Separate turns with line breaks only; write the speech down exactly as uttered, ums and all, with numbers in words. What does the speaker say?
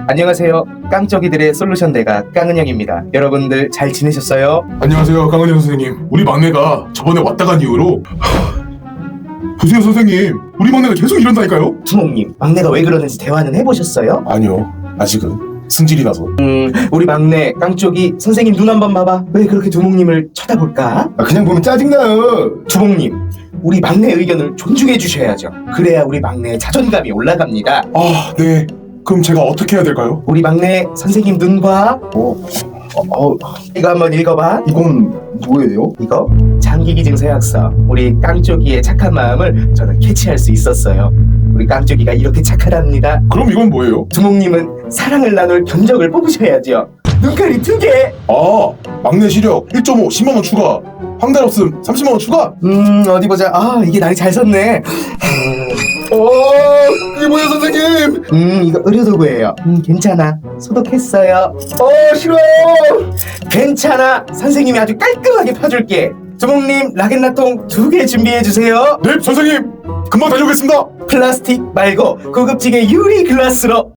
안녕하세요. 깡쩌기들의 솔루션 대가 깡은영입니다. 여러분들 잘 지내셨어요?
안녕하세요, 강은영 선생님. 우리 막내가 저번에 왔다 간 이후로 하... 보세요 선생님, 우리 막내가 계속 이런다니까요?
두목님, 막내가 왜 그러는지 대화는 해보셨어요?
아니요, 아직은 승질이라서.
음, 우리 막내 깡쪽이 선생님 눈 한번 봐봐. 왜 그렇게 두목님을 쳐다볼까?
아, 그냥 보면 짜증나요.
두목님, 우리 막내 의견을 존중해 주셔야죠. 그래야 우리 막내의 자존감이 올라갑니다.
아, 네. 그럼 제가 어떻게 해야 될까요?
우리 막내 선생님 눈 봐.
어, 어, 어
이거 한번 읽어봐.
이건 뭐예요?
이거 장기기증 서약서. 우리 깡쪽이의 착한 마음을 저는 캐치할 수 있었어요. 우리 깡쪽이가 이렇게 착하답니다.
그럼 이건 뭐예요?
두목님은 사랑을 나눌 견적을 뽑으셔야죠. 눈깔이 두 개.
아, 막내 시력 일 점 오 십만 원 추가. 황달 없음 삼십만 원 추가.
음 어디 보자. 아 이게 날이 잘 섰네.
어, 이게 뭐예요 선생님?
음 이거 의료도구예요. 음 괜찮아. 소독했어요.
아, 싫어요.
괜찮아. 선생님이 아주 깔끔하게 파줄게. 두목님 라겐나통 두 개 준비해 주세요.
네, 선생님. 금방 다녀오겠습니다.
플라스틱 말고 고급지게 유리 글라스로.